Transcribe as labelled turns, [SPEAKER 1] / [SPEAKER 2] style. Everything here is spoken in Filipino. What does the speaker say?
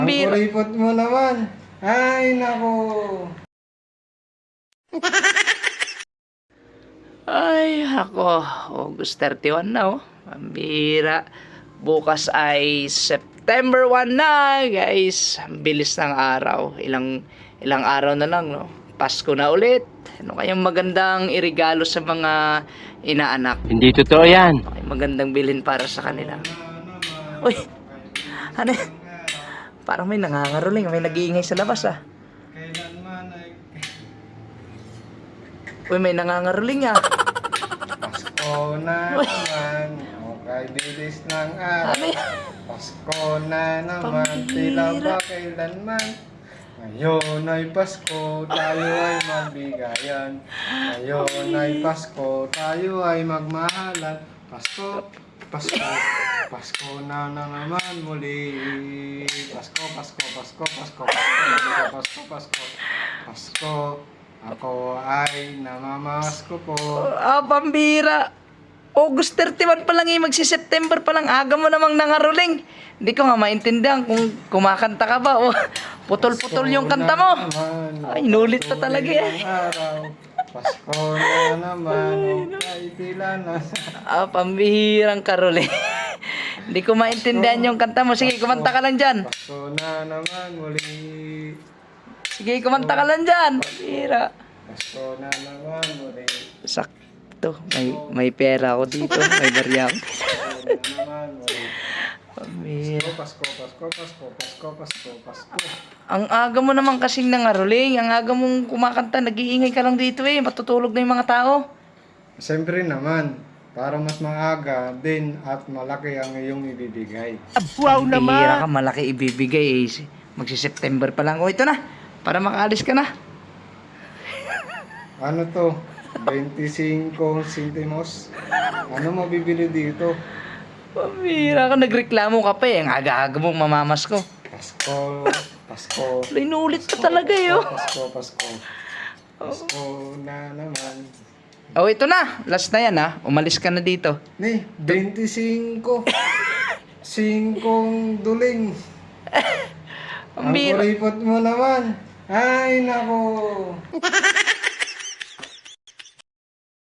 [SPEAKER 1] Ang kuripot mo naman. Ay, nako.
[SPEAKER 2] Ay, ako. August 31 na, oh. Pambira. Bukas ay September 1 na, guys. Ang bilis ng araw. Ilang araw na lang, no? Pasko na ulit. Ano kayang magandang irigalo sa mga inaanak?
[SPEAKER 3] Hindi totoo yan.
[SPEAKER 2] Ano kayang magandang bilhin para sa kanila? Uy! Ano yan? Parang may nangangaroling. May nag-iingay sa labas, ah.
[SPEAKER 1] Kailanman ay
[SPEAKER 2] Uy, may nangangaroling, ah.
[SPEAKER 1] Pasko na naman. Okay, bilis ng araw.
[SPEAKER 2] Ano yan?
[SPEAKER 1] Pasko na naman.
[SPEAKER 2] Pambira.
[SPEAKER 1] Tila ba kailanman? Ngayon ay Pasko, tayo ay magbigayan. Ngayon ay Pasko, tayo ay magmahalan. Pasko, Pasko, Pasko na naman muli. Pasko, Pasko, Pasko, Pasko, Pasko, Pasko, Pasko, Pasko. Ako ay namamasko po.
[SPEAKER 2] Ah, pambira. August 31 pa lang eh, magsi-September pa lang. Aga mo namang nangaroling. Hindi ko nga maintindihan kung kumakanta ka ba o putol-putol yung kanta mo. Ay, inulit pa talaga eh.
[SPEAKER 1] Pasko na naman, ay tila na.
[SPEAKER 2] Ah, pambihirang karoling. Hindi ko maintindihan yung kanta mo. Sige, kumanta ka lang dyan.
[SPEAKER 1] Pasko na naman muli.
[SPEAKER 2] Sige, kumanta ka lang dyan. Pambihira.
[SPEAKER 1] Pasko na naman muli.
[SPEAKER 2] Sakto. May pera ako dito. May barya ako.
[SPEAKER 1] Pasko na naman muli.
[SPEAKER 2] Pambihira.
[SPEAKER 1] Pasko, Pasko, Pasko, Pasko, Pasko, Pasko.
[SPEAKER 2] Ang aga mo naman kasing nangaroling. Ang aga mong kumakanta. Nag-iingay ka lang dito eh. Matutulog na yung mga tao.
[SPEAKER 1] Siyempre naman, para mas maaga din at malaki ang iyong ibibigay.
[SPEAKER 3] Wow
[SPEAKER 2] Bihira ka, malaki ibibigay eh. Magsi-September pa lang. O, ito na. Para makaalis ka na.
[SPEAKER 1] Ano to? 25 centimos? Ano mo bibili dito?
[SPEAKER 2] Pambihira ka. Nagreklamo ka pa eh. Ang aga-aga mong mamamas ko.
[SPEAKER 1] Pasko, Pasko.
[SPEAKER 2] Inulit pa talaga eh. Oh.
[SPEAKER 1] Pasko, Pasko. Pasko na naman.
[SPEAKER 2] Oh, ito na. Last na yan ha. Umalis ka na dito.
[SPEAKER 1] Ni, 25. Singkong duling.
[SPEAKER 2] Ang
[SPEAKER 1] Ang
[SPEAKER 2] bihira.
[SPEAKER 1] kuripot mo naman. Ay, nako.